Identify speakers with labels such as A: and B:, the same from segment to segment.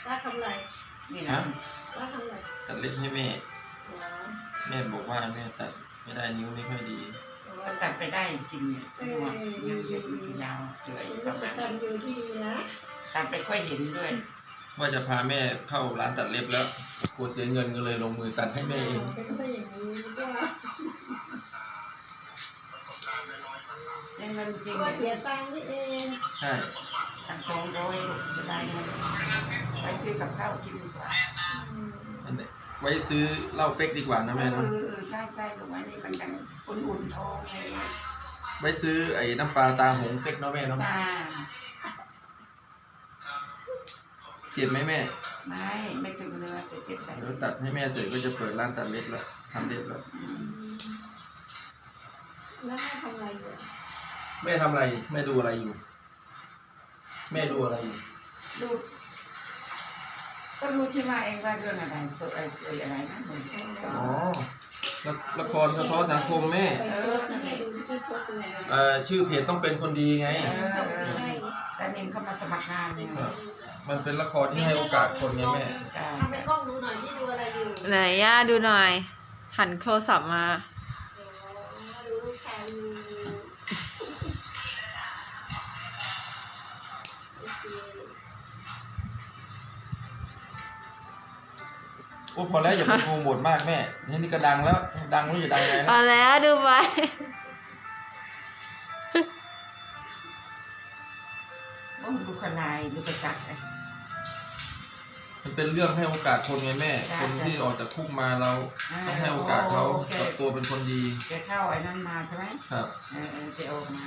A: ป้าทำไร
B: นี่นะ
A: ป้าทำไร
C: ตัดเล็บให้แม่แม่บอกว่าแม่ตัดไม่ได้นิ้วไม่ค่อยดี
B: ก็ตัดไปได้จริงเนี่ยหัวยังเยอะยาวเลยประมาณ
A: ทำอยู่ที่ดีนะ
B: ตัดไปค่อยเห็นด้วย
C: ว่าจะพาแม่เข้าร้านตัดเล็บแล้วกลัวเสียเงินก็เลยลงมือตัดให้แม่เอง
A: เป็นไปอย่างนี้ก็
B: เงินจริง
A: เสียตังค์นี่เอง
C: ใช่
B: ตัง200จะได้เงินไปซื้อกับข้าวกินดีกว่า
C: ไว้ซื้อเหล้าเป๊กดีกว่านะแม่เนาะ
B: ใช่ถูกไหมนี่มันยังอุ่นๆท้องไง
C: ไว้ซื้อไอ้น้ำปลาตาหงเป๊กเนาะแม่เนาะเจ็บไหมแม่
B: ไม่ถึงเนื้อจะเจ็บแต่
C: เดี๋ยวตัดให้แม่เสร็จก็จะเปิดร้านตัดเล็บแล้วทำเล็บแล้ว
A: แม่ทำอะไรอยู่
C: แม่ทำอะไรแม่ดูอะไรอยู่แม่ดูอะไรอยู่
B: ดูก็รู้ที่มาเองว่าเรื่องอะไรอะไรนะ
C: อ๋อละครสะท้อนสังคมแม่ชื่อเพจต้องเป็นคนดีไง
B: แต่เองเข้ามาสมัครงานเนี่ย
C: มันเป็นละครที่ให้โอกาสคนไงแม่
A: ทำให้กล้องดูหน่อยที่ดูอะไรอยู่
D: ไหนย่าดูหน่อยหันโทรศัพท์มา
A: ดูใคร
C: โอ้พอแล้วอย่าไปโปรโมทมากแม่นี่ก็ดังแล้วดังไม่รู้จะดังไง
D: พอแล้วดูไป
B: ดูขนายดูประจักษ์
C: มันเป็นเรื่องให้โอกาสคนไงแม่คนที่ออกจากคุกมาเราต้องให้โอกาสเขาปรับตัวเป็นคนดี
B: แกเข้าไอ้นั่นมาใช่ไหม
C: ครับ
B: แกออกมา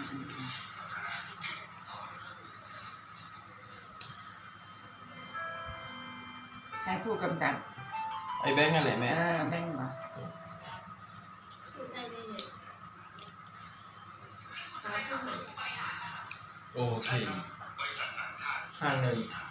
B: ให้ผู้กำกับ
C: ไอ้แบงค์อะไรแม่
B: แบงค์เหรอ
C: โอเคข้างหนึ่ง